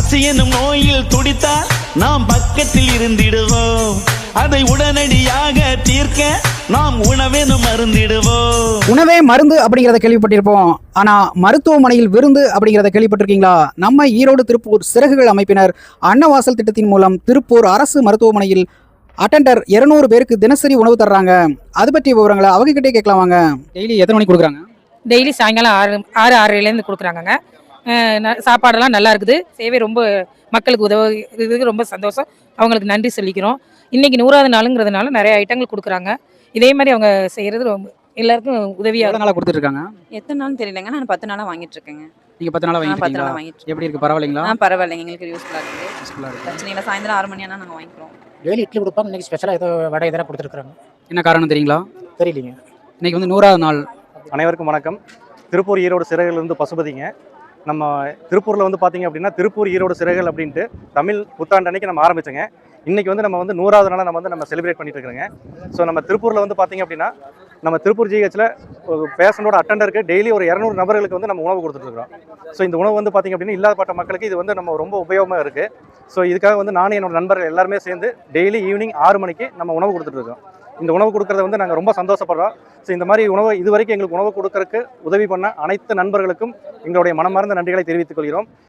பசி எனும் நோயில் துடித்தால் நாம் பக்கத்தில் இருந்திடுவோம். அதை உடனடியாக தீர்க்க நாம் உணவெனும் மருந்திடுவோம். உணவே மருந்து அப்படிங்கிறத கேள்விப்பட்டிருப்போம். ஆனா மருத்துவமனையில் விருந்து அப்படிங்கிறத கேள்விப்பட்டிருக்கீங்களா? நம்ம ஈரோடு திருப்பூர் சிறகுகள் அமைப்பினர் அன்னவாசல் திட்டத்தின் மூலம் திருப்பூர் அரசு மருத்துவமனையில் அட்டெண்டர் 200 பேருக்கு தினசரி உணவு தர்றாங்க. அது பற்றிய விவரங்களை அவங்க கிட்டே கேட்கலாம் வாங்க. டெய்லி எத்தனை மணிக்கு கொடுக்குறாங்க? டெய்லி சாயங்காலம் 6:30 கொடுக்குறாங்கங்க. சாப்பாடெல்லாம் நல்லா இருக்குது. சேவை ரொம்ப மக்களுக்கு உதவுறதுக்கு ரொம்ப சந்தோஷம். அவங்களுக்கு நன்றி சொல்லிக்கிறோம். இன்னைக்கு 100வது நாளுங்கிறதுனால நிறைய ஐட்டங்கள் கொடுக்குறாங்க. இதே மாதிரி அவங்க செய்கிறது ரொம்ப எல்லாருக்கும் உதவியாக நாளாக கொடுத்துட்டு இருக்காங்க. எத்தனை நாள் தெரியலங்க. நான் 10 நாளாக வாங்கிட்டு இருக்கேங்க. நீங்கள் 10 நாளாக வாங்கிட்டு 10 நாளாக வாங்கிட்டு எப்படி இருக்குது? பரவாயில்லைங்களா? பரவாயில்லைங்க. எங்களுக்கு யூஸ்ஃபுல்லாக இருக்குது. பிரச்சனை இல்லை. சாயந்தரம் 6 மணி ஆனால் நாங்கள் வாங்கிக்கிறோம். டெய்லி இட்லி கொடுப்பாங்க. இன்னைக்கு ஸ்பெஷலாக ஏதோ வடை இதெல்லாம் கொடுத்துருக்குறாங்க. என்ன காரணம் தெரியுங்களா? தெரியலீங்க. இன்னைக்கு வந்து 100வது நாள். அனைவருக்கும் வணக்கம். திருப்பூர் ஈரோடு சிறகுலேருந்து பசுபதிங்க. நம்ம திருப்பூரில் வந்து பார்த்திங்க அப்படின்னா திருப்பூர் ஈரோடு சிறகுகள் அப்படின்ட்டு தமிழ் புத்தாண்டு அன்னைக்கு நம்ம ஆரம்பிச்சோங்க. இன்றைக்கி வந்து நம்ம வந்து 100வது நாளாக நம்ம செலிப்ரேட் பண்ணிட்டு இருக்கிறோங்க. ஸோ நம்ம திருப்பூரில் வந்து பார்த்திங்க அப்படின்னா நம்ம திருப்பூர் ஜிஹெச்சில் ஒரு பேஷண்டோட அட்டெண்டருக்கு டெய்லி ஒரு 200 நபர்களுக்கு வந்து நம்ம உணவு கொடுத்துட்ருக்கோம். ஸோ இந்த உணவு வந்து பார்த்திங்க அப்படின்னா இல்லாதப்பட்ட மக்களுக்கு இது வந்து நம்ம ரொம்ப உபயோகமாக இருக்குது. ஸோ இதுக்காக வந்து நானும் என்னோட நண்பர்கள் எல்லாருமே சேர்ந்து டெய்லி ஈவினிங் 6 மணிக்கு நம்ம உணவு கொடுத்துட்ருக்கோம். இந்த உணவு கொடுக்கறத வந்து நாங்கள் ரொம்ப சந்தோஷப்படுறோம். ஸோ இந்த மாதிரி உணவு இது வரைக்கும் எங்களுக்கு உணவு கொடுக்கறதுக்கு உதவி பண்ண அனைத்து நண்பர்களுக்கும் எங்களுடைய மனமார்ந்த நன்றிகளை தெரிவித்துக் கொள்கிறோம்.